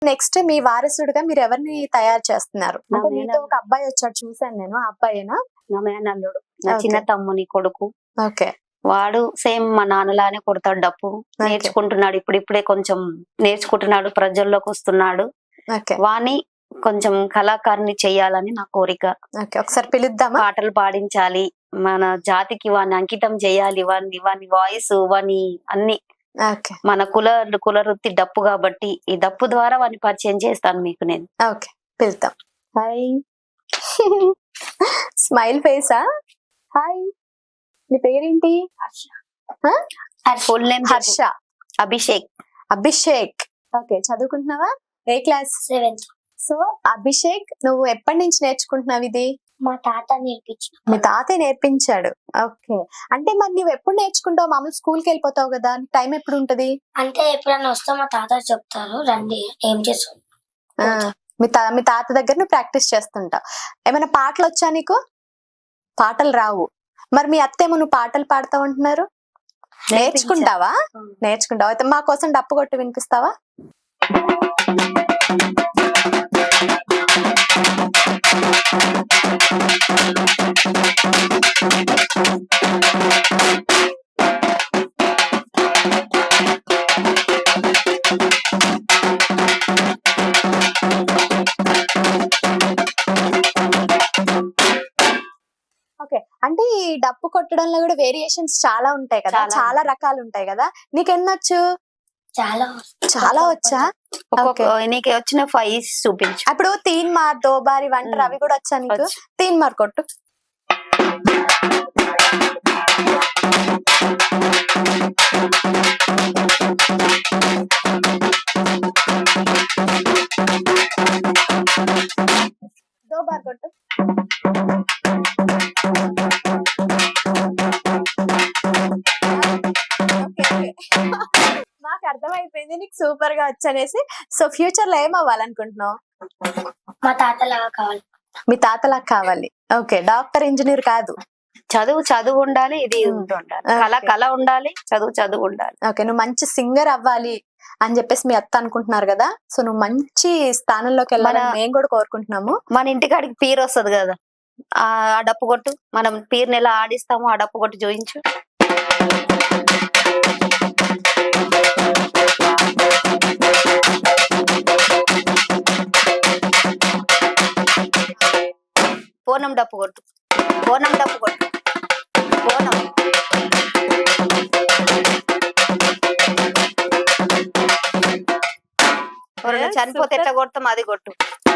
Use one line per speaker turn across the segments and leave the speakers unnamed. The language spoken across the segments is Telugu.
నెక్స్ట్ మీ వారసుడిగా మీరు ఎవరిని తయారు చేస్తున్నారు?
నా
అంటే మీతో
మేనల్
ఒక అబ్బాయి వచ్చాడు చూసాను నేను. ఆ అబ్బాయేనా?
నా మేనల్లుడు, నా
ఓకే.
చిన్న తమ్ముని కొడుకు.
ఓకే.
వాడు సేమ్ మా నాన్నలానే కొడతాడు డప్పు.
ఓకే.
నేర్చుకుంటున్నాడు, ఇప్పుడిప్పుడే కొంచెం నేర్చుకుంటున్నాడు, ప్రజల్లోకి వస్తున్నాడు.
ఓకే.
వాణ్ణి కొంచెం కళాకారుని చెయ్యాలని నా కోరిక.
ఓకే. ఒకసారి పిలుద్దామా?
పాటలు పాడించాలి, మన జాతికి వాణ్ణి అంకితం చేయాలి, వాని వాయిస్, వాని అన్ని.
ఓకే.
మన కుల వృత్తి డప్పు కాబట్టి ఈ డప్పు ద్వారా వాడిని పరిచయం చేస్తాను మీకు నేను.
ఓకే. పిలుద్దాం. హాయ్. స్మైల్ ఫేసా? హాయ్. నీ పేరేంటి?
Full name
Harsha.
Abhishek.
Abhishek. Okay. చదువుకుంటున్నావా? ఏ క్లాస్?
7th.
సో అభిషేక్, నువ్వు ఎప్పటి నుంచి నేర్చుకుంటున్నావు ఇది?
మా తాత నేర్పించిన.
మీ తాతయ్య నేర్పించాడు. ఓకే. అంటే మరి నువ్వు ఎప్పుడు నేర్చుకుంటావు? మామూలు స్కూల్కి వెళ్ళిపోతావు కదా, టైం ఎప్పుడు ఉంటది?
అంటే ఎప్పుడైనా వస్తే మా తాత చెప్తారు, రండి ఏం చేస్తాం.
ఆ, మీ తాత దగ్గర నువ్వు ప్రాక్టీస్ చేస్తుంటావు. ఏమైనా పాటలు వచ్చా నీకు? పాటలు రావు. మరి మీ అత్తేమో నువ్వు పాటలు పాడతావు అంటున్నారు. నేర్చుకుంటావా? నేర్చుకుంటావా? అయితే మా కోసం డప్పు కొట్టి వినిపిస్తావా? ఓకే. అంటే ఈ డప్పు కొట్టడంలో కూడా వేరియేషన్స్ చాలా ఉంటాయి కదా,
చాలా
చాలా రకాలు ఉంటాయి కదా. నీకెన్నొచ్చు?
చాలా
చాలా వచ్చా? ఓకే.
నీకు వచ్చిన 5 చూపించు.
అప్పుడు తీన్ మార్, దోబారి, వంటర్ అవి కూడా వచ్చా నీకు?
వచ్చు.
తీన్ మార్ కొట్టు. దోబార్ కొట్టు. Okay, okay. మాకు అర్థమైపోయింది నీకు సూపర్ గా వచ్చనేసి. సో ఫ్యూచర్ లో ఏం అవ్వాలనుకుంటున్నావు?
మా తాతలాగా కావాలి.
మీ తాతలా కావాలి. ఓకే. డాక్టర్, ఇంజనీర్ కాదు.
చదువు ఉండాలి, ఇది ఉండాలి, కళ ఉండాలి, చదువు ఉండాలి.
ఓకే. నువ్వు మంచి సింగర్ అవ్వాలి అని చెప్పేసి మీ అత్త అనుకుంటున్నారు కదా. సో నువ్వు మంచి స్థానంలోకి వెళ్ళాలని మేము కూడా కోరుకుంటున్నాము.
మన ఇంటికాడికి పీరు వస్తుంది కదా, ఆ డప్పు కొట్టు. మనం పీరుని ఎలా ఆడిస్తామో ఆ డప్పు కొట్టి చూయించు. బోనం డప్పు కొట్టు. బోనం డప్పు కొట్టు. బోనం. ఎవరైనా చనిపోతే ఎట్లా కొడతాం అది కొట్టు.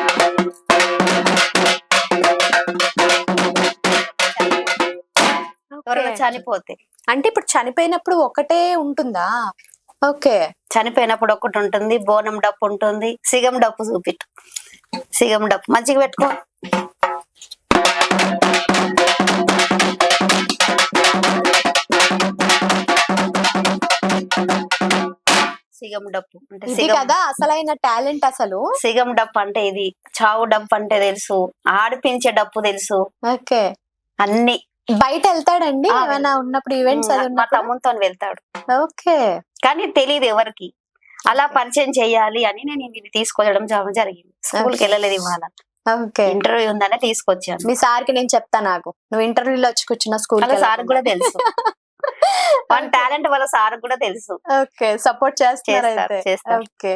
ఎవరైనా చనిపోతే.
అంటే ఇప్పుడు చనిపోయినప్పుడు ఒకటే ఉంటుందా? ఓకే.
చనిపోయినప్పుడు ఒకటి ఉంటుంది, బోనం డప్పు ఉంటుంది, సిగం డప్పు చూపిట్టు. సిగం డప్పు మంచిగా పెట్టుకో. సిగం డప్పు అంటే
ఇది కదా అసలైన టాలెంట్ అసలు.
సిగం డప్పు అంటే ఇది. చావు డప్పు అంటే తెలుసు, ఆడిపించే డప్పు తెలుసు.
ఓకే.
అన్ని.
బయట వెళ్తాడండి ఏమైనా ఉన్నప్పుడు, ఈవెంట్స్ అది
మా
ఉన్నప్పుడు?
తమ్ముతో వెళ్తాడు,
ఓకే.
కానీ తెలియదు ఎవరికి. అలా పరిచయం చెయ్యాలి అని నేను ఇది తీసుకొచ్చడం జరిగింది. స్కూల్కి వెళ్ళలేదు ఇవాళ,
ఓకే.
ఇంటర్వ్యూ ఉందనే తీసుకొచ్చాను.
మీ సార్కి నేను చెప్తా, నాకు నువ్వు ఇంటర్వ్యూలో వచ్చి కూర్చున్న స్కూల్
సార్ కూడా తెలుసు. మన టాలెంట్ వాళ్ళ సార్ కూడా తెలుసు.
ఓకే. సపోర్ట్ చేస్తారు.
చేస్తారు.
ఓకే.